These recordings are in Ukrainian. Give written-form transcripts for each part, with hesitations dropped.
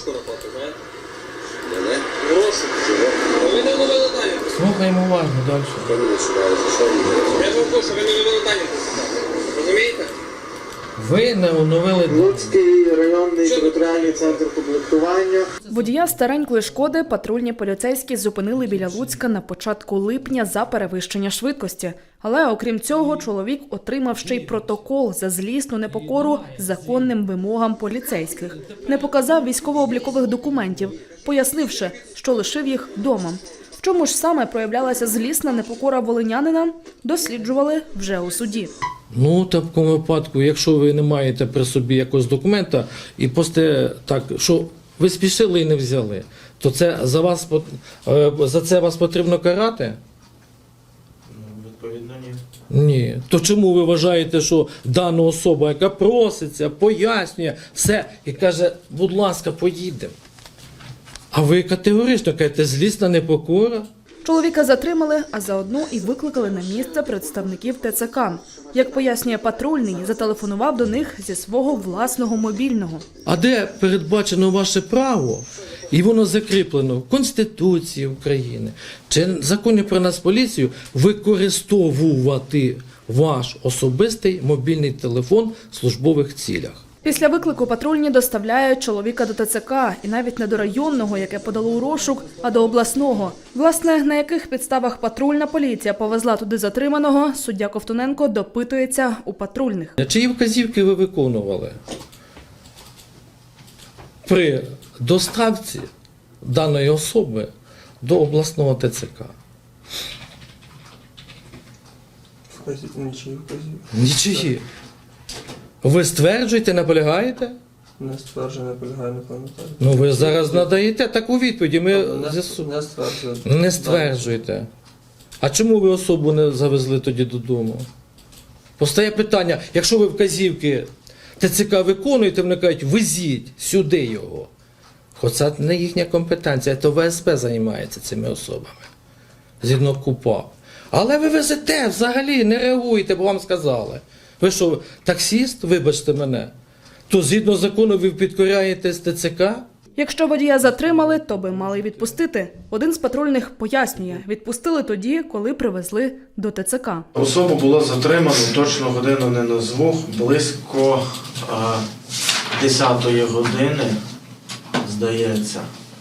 розшуку роботи, знаєте? В розшуку. Ви не оновили дані. Слухаємо уважно далі. Я ж вам кажу, що ви не оновили дані. Розумієте? Ви не оновили дані. Луцький районний територіальний центр комплектування. Водія старенької «Шкоди» патрульні поліцейські зупинили біля Луцька на початку липня за перевищення швидкості. Але, окрім цього, чоловік отримав ще й протокол за злісну непокору законним вимогам поліцейських. Не показав військово-облікових документів, пояснивши, що лишив їх вдома. В чому ж саме проявлялася злісна непокора волинянина, досліджували вже у суді. Ну, в такому випадку, якщо ви не маєте при собі якогось документа і просто так, що ви спішили і не взяли, то це за це вас потрібно карати? Відповідно, ні. Ні. То чому ви вважаєте, що дана особа, яка проситься, пояснює все і каже, будь ласка, поїдемо? А ви категорично кажете, злісна непокора? Чоловіка затримали, а заодно і викликали на місце представників ТЦК. Як пояснює патрульний, зателефонував до них зі свого власного мобільного. А де передбачено ваше право, і воно закріплено в Конституції України, чи в Законі про Нацполіцію, використовувати ваш особистий мобільний телефон в службових цілях? Після виклику патрульні доставляють чоловіка до ТЦК, і навіть не до районного, яке подало у розшук, а до обласного. Власне, на яких підставах патрульна поліція повезла туди затриманого, суддя Ковтуненко допитується у патрульних. Чиї вказівки ви виконували при доставці даної особи до обласного ТЦК? Нічиї вказівки. Нічиї. Ви стверджуєте, наполягаєте? Не стверджую, не полягаю, не пам'ятаю. Ну ви зараз надаєте таку відповідь, і ми Не стверджую. не стверджуєте. А чому ви особу не завезли тоді додому? Постає питання, якщо ви вказівки ТЦК виконуєте, вони кажуть, везіть сюди його. Хоча це не їхня компетенція, то ВСП займається цими особами. Згідно КУПА. Але ви везете взагалі, не реагуєте, бо вам сказали. Ви що, таксіст, вибачте мене, то згідно закону ви підкоряєтесь ТЦК? Якщо водія затримали, то би мали й відпустити. Один з патрульних пояснює, відпустили тоді, коли привезли до ТЦК. Особу було затримано, точно годину не назву, близько 10-ї години, здається.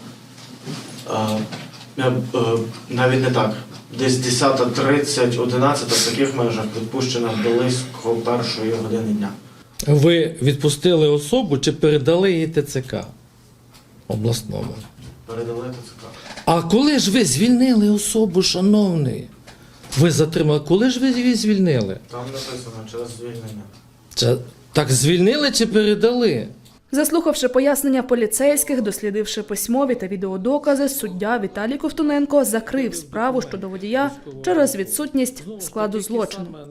Навіть не так. Десь 10:30, 11 в таких межах відпущено близько 1-ї години дня. Ви відпустили особу чи передали її ТЦК обласному? Передали ТЦК. А коли ж ви звільнили особу, шановний? Ви затримали, коли ж ви її звільнили? Там написано через звільнення. Так звільнили чи передали? Заслухавши пояснення поліцейських, дослідивши письмові та відеодокази, суддя Віталій Ковтуненко закрив справу щодо водія через відсутність складу злочину.